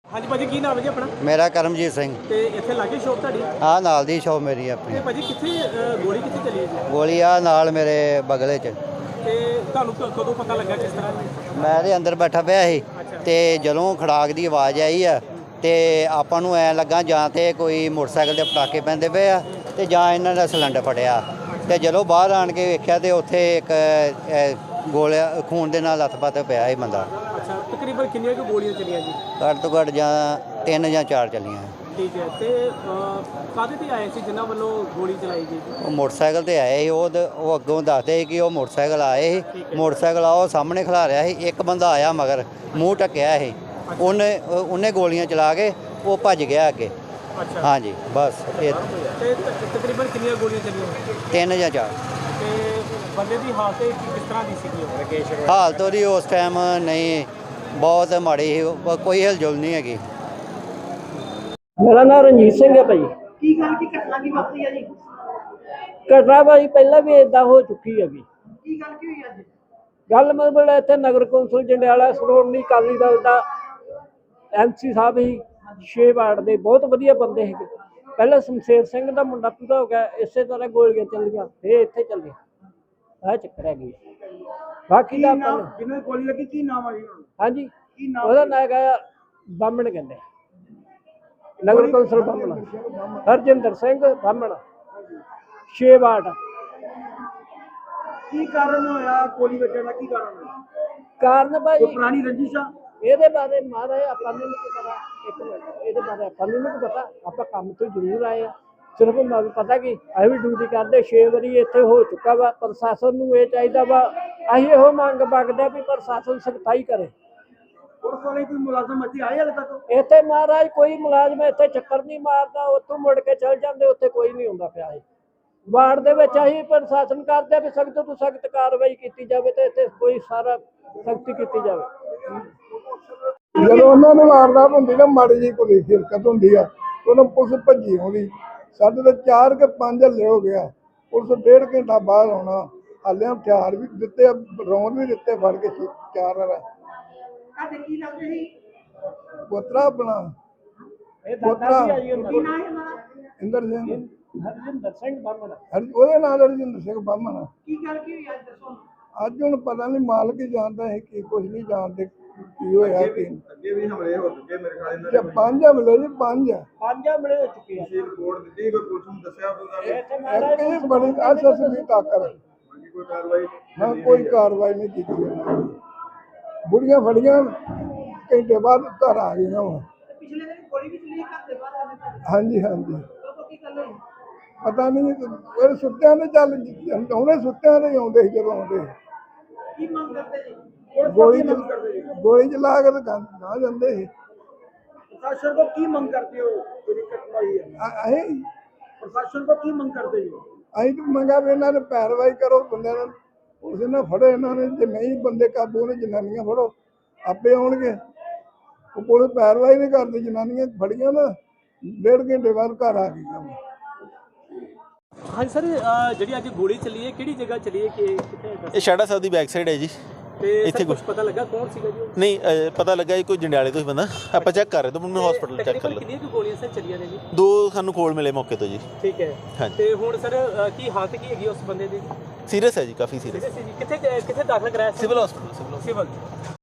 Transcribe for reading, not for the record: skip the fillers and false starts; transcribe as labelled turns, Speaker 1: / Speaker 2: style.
Speaker 1: हाँ जी भाजी की नाम है जी अपना?
Speaker 2: मेरा करमजीत सिंह।
Speaker 1: ते इत्थे लागे शॉप तुहाडी?
Speaker 2: हाँ नाल दी शॉप मेरी
Speaker 1: ते
Speaker 2: अपनी।
Speaker 1: भाजी कित्थे गोली कित्थे चली है जी?
Speaker 2: गोली आ नाल मेरे बगले च।
Speaker 1: ते तुहानू कदों पता लगा किस तरह?
Speaker 2: मैं ते अंदर बैठा पिया ਸੀ ਤੇ ਜਦੋਂ ਖੜਾਕ ਦੀ ਆਵਾਜ਼ ਆਈ ਆ ਤੇ ਆਪਾਂ ਨੂੰ ਐ ਲੱਗਾ ਜਾਂ ਤੇ ਕੋਈ ਮੋਟਰਸਾਈਕਲ ਦੇ ਪਟਾਕੇ ਪੈਂਦੇ ਪਏ ਆ ਤੇ ਜਾਂ ਇਹਨਾਂ ਦਾ ਸਿਲੰਡਰ ਫਟਿਆ ਤੇ ਜਦੋਂ ਬਾਹਰ ਆਣ ਕੇ ਵੇਖਿਆ ਤੇ ਉੱਥੇ ਇੱਕ ਗੋਲਿਆ ਖੂਨ ਦੇ ਨਾਲ ਲੱਥ-ਪੱਥ ਪਿਆ ਸੀ ਬੰਦਾ।
Speaker 1: अच्छा तकरीबन कितनी की गोलियां चलियां जी?
Speaker 2: ਘੱਟ ਤੋਂ ਘੱਟ ਜਾਂ 3 ਜਾਂ 4 ਚੱਲੀਆਂ।
Speaker 1: ठीक है ते काहदे ते आए सी जिन्हां ਵੱਲੋਂ ਗੋਲੀ ਚਲਾਈ ਗਈ?
Speaker 2: ਉਹ ਮੋਟਰਸਾਈਕਲ ਤੇ ਆਏ ਸੀ। ਉਹ ਅੱਗੋਂ ਦੱਸਦੇ ਸੀ ਕਿ ਉਹ ਮੋਟਰਸਾਈਕਲ ਆਏ ਸੀ। ਮੋਟਰਸਾਈਕਲ ਆ ਉਹ ਸਾਹਮਣੇ ਖਲਾ ਰਿਹਾ ਸੀ। ਇੱਕ ਬੰਦਾ ਆਇਆ ਮਗਰ ਮੂੰਹ ਢੱਕਿਆ ਸੀ। ਉਹਨੇ ਗੋਲੀਆਂ ਚਲਾ ਕੇ ਉਹ ਭੱਜ ਗਿਆ ਅੱਗੇ।
Speaker 1: अच्छा
Speaker 2: हाँ जी बस ये
Speaker 1: ਤੇ ਤਕਰੀਬਨ ਕਿੰਨੀਆਂ ਗੋਲੀਆਂ ਚੱਲੀਆਂ?
Speaker 2: 3 ਜਾਂ 4।
Speaker 1: ਤੇ ਬੰਦੇ ਦੀ ਹਾਲਤ ਕਿਸ ਤਰ੍ਹਾਂ ਦੀ ਸੀਗੀ? ਰਕੇਸ਼
Speaker 2: ਹਾਲਤ ਉਹਦੀ ਉਸ ਟਾਈਮ ਨਹੀਂ ਬਹੁਤ ਮਾੜੀ ਸੀ। ਕੋਈ ਹਿਲਜੁਲ ਨਹੀਂ ਹੈਗੀ।
Speaker 3: ਮੇਰਾ ਨਾਮ ਰਣਜੀਤ ਸਿੰਘ ਹੈ ਭਾਈ।
Speaker 4: ਕੀ ਗੱਲ ਕੀ ਘਟਨਾ ਕੀ ਵਾਪਰੀ ਹੈ ਜੀ?
Speaker 3: ਘਟਨਾ ਭਾਈ ਪਹਿਲਾਂ ਵੀ ਇਦਾਂ ਹੋ ਚੁੱਕੀ ਹੈਗੀ।
Speaker 4: ਕੀ ਗੱਲ ਕੀ ਹੋਈ ਅੱਜ?
Speaker 3: ਗੱਲ ਮਤਲਬ ਇੱਥੇ ਨਗਰ ਕੌਂਸਲ ਜੰਡਿਆਲਾ ਸ਼੍ਰੋਮਣੀ ਅਕਾਲੀ ਦਲ ਦਾ MC ਸਾਹਿਬ ਹੀ 6 ਵਾਰਡ ਦੇ ਬਹੁਤ ਵਧੀਆ ਬੰਦੇ ਹੈਗੇ। ਪਹਿਲਾਂ ਸ਼ਮਸ਼ੇਰ ਸਿੰਘ ਦਾ ਮੁੰਡਾ ਪੂਰਾ ਹੋ ਗਿਆ, ਇਸੇ ਤਰ੍ਹਾਂ ਗੋਲੀਆਂ ਚੱਲੀਆਂ ਫੇਰ ਇੱਥੇ ਚੱਲੇ ਆਹ ਚੱਕਰ ਹੈਗੀ। ਬਾਕੀ ਦਾ
Speaker 4: ਜਿਹਨੂੰ ਗੋਲੀ ਲੱਗੀ ਕੀ ਨਾਮ ਆ ਜੀ?
Speaker 3: ਹਾਂਜੀ
Speaker 4: ਕੀ ਨਾਮ?
Speaker 3: ਉਹਦਾ ਨਾਂ ਹੈਗਾ ਬਾਹਮਣ ਕਹਿੰਦੇ ਨਗਰ ਕੌਂਸਲ ਬਾਹਮਣ ਹਰਜਿੰਦਰ ਸਿੰਘ ਬਾਹਮਣ 6 ਵਾਰਡ।
Speaker 4: ਕੀ ਕਾਰਨ ਹੋਇਆ ਗੋਲੀ ਵੱਜਣ ਦਾ? ਕੀ ਕਾਰਨ ਹੋਇਆ?
Speaker 3: ਕਾਰਨ ਭਾਈ
Speaker 4: ਕੋਈ ਪੁਰਾਣੀ ਰੰਜਿਸ਼ ਆ?
Speaker 3: ਇਹਦੇ ਬਾਰੇ ਮਹਾਰਾਜ ਆਪਾਂ ਨੂੰ ਨਹੀਂ ਪਤਾ। ਇੱਕ ਮਿੰਟ ਇਹਦੇ ਬਾਰੇ ਆਪਾਂ ਨੂੰ ਨਹੀਂ ਪਤਾ। ਆਪਾਂ ਕੰਮ ਤੋਂ ਜ਼ਰੂਰ ਆਏ ਆ। ਸਿਰਫ ਮੈਨੂੰ ਪਤਾ ਕਿ ਅਸੀਂ ਵੀ ਡਿਊਟੀ ਕਰਦੇ 6 ਵਾਰੀ ਇੱਥੇ ਹੋ ਚੁੱਕਾ ਵਾ। ਪ੍ਰਸ਼ਾਸਨ ਨੂੰ ਇਹ ਚਾਹੀਦਾ ਵਾ, ਅਸੀਂ ਇਹੋ ਮੰਗ ਮੰਗਦੇ ਵੀ ਪ੍ਰਸ਼ਾਸਨ ਸਖਤਾਈ ਕਰੇ।
Speaker 4: ਪੁਲਿਸ ਵਾਲੇ ਕੋਈ ਮੁਲਾਜ਼ਮ ਇੱਥੇ ਆਏ ਹਾਲੇ ਤੱਕ?
Speaker 3: ਇੱਥੇ ਮਹਾਰਾਜ ਕੋਈ ਮੁਲਾਜ਼ਮ ਇੱਥੇ ਚੱਕਰ ਨਹੀਂ ਮਾਰਦਾ, ਉੱਥੋਂ ਮੁੜ ਕੇ ਚਲ ਜਾਂਦੇ, ਉੱਥੇ ਕੋਈ ਨਹੀਂ ਹੁੰਦਾ ਪਿਆ। ਵਾਰਡ ਦੇ ਵਿੱਚ ਅਸੀਂ ਪ੍ਰਸ਼ਾਸਨ ਕਰਦੇ ਵੀ ਸਖਤ ਤੋਂ ਸਖਤ ਕਾਰਵਾਈ ਕੀਤੀ ਜਾਵੇ ਤੇ ਇੱਥੇ ਕੋਈ ਸਾਰਾ ਸਖਤੀ ਕੀਤੀ ਜਾਵੇ।
Speaker 5: ਜਦੋਂ ਉਹਨਾਂ ਨੂੰ ਵਾਰਦਾਤ ਹੁੰਦੀ ਨਾ, ਮਾੜੀ ਜਿਹੀ ਕੋਈ ਹਿਰਕਤ ਹੁੰਦੀ ਆ, ਉਹਨਾਂ ਪੁਲਿਸ ਭੱਜੀ ਆਉਂਦੀ। ਸਾਡੇ ਤਾਂ 4 ਕੇ 5 ਹੱਲੇ ਹੋ ਗਿਆ। ਪੁਲਿਸ 1.5 ਘੰਟਾ ਬਾਹਰ ਆਉਣਾ। ਹਾਲੇ ਹਥਿਆਰ ਵੀ ਦਿੱਤੇ, ਰੌਂਦ ਵੀ ਦਿੱਤੇ ਫੜ ਕੇ 4 ਵਾਲਾ।
Speaker 4: ਤੁਹਾਡੇ ਕੀ ਲੱਗਦੇ ਸੀ?
Speaker 5: ਪੋਤਰਾ ਆਪਣਾ
Speaker 3: ਇਹ ਦਾਦਾ ਵੀ ਆਈ ਹੁੰਦਾ
Speaker 4: ਕੀ ਨਾਮ ਹੈ ਉਹਨਾਂ ਦਾ?
Speaker 5: ਇੰਦਰ ਸਿੰਘ,
Speaker 3: ਹਰਜਿੰਦਰ ਸਿੰਘ ਬਾਹਮਣ।
Speaker 5: ਉਹਦੇ ਨਾਲ ਰਜਿੰਦਰ ਸਿੰਘ ਬਾਹਮਣ।
Speaker 4: ਕੀ ਗੱਲ ਕੀ ਹੋਈ ਅੱਜ ਦੱਸੋ?
Speaker 5: ਅੱਜ ਹੁਣ ਪਤਾ ਨਹੀਂ, ਮਾਲਕ ਹੀ ਜਾਣਦਾ ਹੈ ਕਿ ਕੁਝ ਨਹੀਂ ਜਾਣਦੇ ਕੀ ਹੋਇਆ ਕੀ।
Speaker 6: ਅੱਗੇ ਵੀ ਹਮਲੇ ਹੋ ਚੁੱਕੇ ਮੇਰੇ ਖਿਆਲ ਇਹਨਾਂ ਨੇ।
Speaker 5: 5 ਹਮਲੇ ਜੀ, 5
Speaker 3: ਪੰਜ ਹਮਲੇ ਹੋ ਚੁੱਕੇ ਆ।
Speaker 6: ਤੁਸੀਂ ਰਿਪੋਰਟ ਦਿੱਤੀ ਕੋਈ ਪੁਲਿਸ ਨੂੰ ਦੱਸਿਆ ਕੋਈ ਗੱਲ?
Speaker 3: ਇੱਥੇ ਮਹਾਰਾਜ
Speaker 5: ਇਹ ਬੜੀ ਅਸਸੀ ਤਾਕਤ
Speaker 6: ਬਾਕੀ ਕੋਈ ਕਾਰਵਾਈ
Speaker 5: ਨਾ, ਕੋਈ ਕਾਰਵਾਈ ਨਹੀਂ ਕੀਤੀ ਉਹਨਾਂ ਨੇ। ਬੁੜੀਆਂ ਫੜੀਆਂ, ਘੰਟੇ ਬਾਅਦ ਘਰ ਆ ਗਈਆਂ ਵਾ।
Speaker 4: ਪਿਛਲੇ ਦਿਨ ਗੋਲੀ ਵੀ ਚੱਲੀ ਘਰ ਦੇ ਬਾਹਰ?
Speaker 5: ਹਾਂਜੀ ਹਾਂਜੀ,
Speaker 4: ਕਦੋਂ ਕੀ ਗੱਲ ਹੋਈ?
Speaker 5: ਪਤਾ ਨਹੀਂ ਉਹ ਸੁੱਤਿਆਂ ਦੇ ਚੱਲ ਉਹਨੇ ਸੁੱਤਿਆਂ ਦੇ ਆਉਂਦੇ ਸੀ ਜਦੋਂ ਆਉਂਦੇ।
Speaker 4: ਕੀ ਮੰਗ ਕਰਦੇ ਜੀ?
Speaker 5: ਗੋਲੀ ਚਲਾ ਕੇ ਤਾਂ ਨਾ ਜਾਂਦੇ ਸੀ।
Speaker 4: ਪ੍ਰਸ਼ਾਸਨ ਕੋ ਕੀ ਮੰਗ ਕਰਦੇ ਹੋ? ਜਿਹੜੀ ਘਟਨਾ ਹੋਈ ਹੈ
Speaker 5: ਅਸੀਂ
Speaker 4: ਪ੍ਰਸ਼ਾਸਨ ਕੋ ਕੀ ਮੰਗ ਕਰਦੇ ਹੋ?
Speaker 5: ਅਸੀਂ ਤਾਂ ਮੰਗਾ ਵੀ ਇਹਨਾਂ ਨੇ ਪੈਰਵਾਈ ਕਰੋ ਬੰਦਿਆਂ ਨੂੰ। ਉਸ ਨੇ ਫੜੋ ਇਹਨਾਂ ਨੇ, ਜੇ ਨਹੀਂ ਬੰਦੇ ਕਾਬੂ ਨੇ ਜਨਾਨੀਆਂ ਫੜੋ, ਆਪੇ ਆਉਣਗੇ। ਉਹ ਪੁਲਿਸ ਪੈਰਵਾਈ ਨਹੀਂ ਕਰਦੀ। ਜਨਾਨੀਆਂ ਫੜੀਆਂ ਨਾ 1.5 ਘੰਟੇ ਬਾਅਦ ਘਰ ਆ ਗਈਆਂ।
Speaker 1: हाँ सर ਜਿਹੜੀ ਅੱਜ ਗੋਲੀ ਚੱਲੀ ਹੈ ਕਿਹੜੀ ਜਗ੍ਹਾ ਚੱਲੀ ਹੈ? ਕਿੱਥੇ?
Speaker 7: ਇਹ ਸ਼ਾੜਾ ਸਾਹਿਬ ਦੀ ਬੈਕ ਸਾਈਡ ਹੈ ਜੀ।
Speaker 1: ਤੇ
Speaker 7: ਇੱਥੇ
Speaker 1: ਕੁਝ ਪਤਾ ਲੱਗਾ ਕੌਣ ਸੀਗਾ ਜੀ?
Speaker 7: ਨਹੀਂ ਪਤਾ ਲੱਗਾ ਜੀ ਕੋਈ ਜੰਡਿਆਲੇ ਤੋਂ ਹੀ ਬੰਦਾ। ਆਪਾਂ ਚੈੱਕ ਕਰ ਰਹੇ ਤਾਂ ਮੈਨੂੰ ਹਸਪੀਟਲ ਚੈੱਕ ਕਰ
Speaker 1: ਤਕਰੀਬਨ ਕਿੰਨੀਆਂ ਕੁ ਗੋਲੀਆਂ ਸਰ ਚੱਲੀਆਂ ਨੇ ਜੀ?
Speaker 7: 2 ਸਾਨੂੰ ਕੋਲ ਮਿਲੇ ਮੌਕੇ ਤੋਂ ਜੀ।
Speaker 1: ਠੀਕ ਹੈ।
Speaker 7: ਹਾਂਜੀ।
Speaker 1: ਤੇ ਹੁਣ ਸਰ ਕੀ ਹਾਲਤ ਕੀ ਹੈਗੀ ਉਸ ਬੰਦੇ ਦੀ?
Speaker 7: ਸੀਰੀਅਸ ਹੈ ਜੀ, ਕਾਫੀ ਸੀਰੀਅਸ।
Speaker 1: ਕਿੱਥੇ ਦਾਖਲ ਕਰਾਇਆ?
Speaker 7: Civil hospital.
Speaker 1: ਸਿਵਲ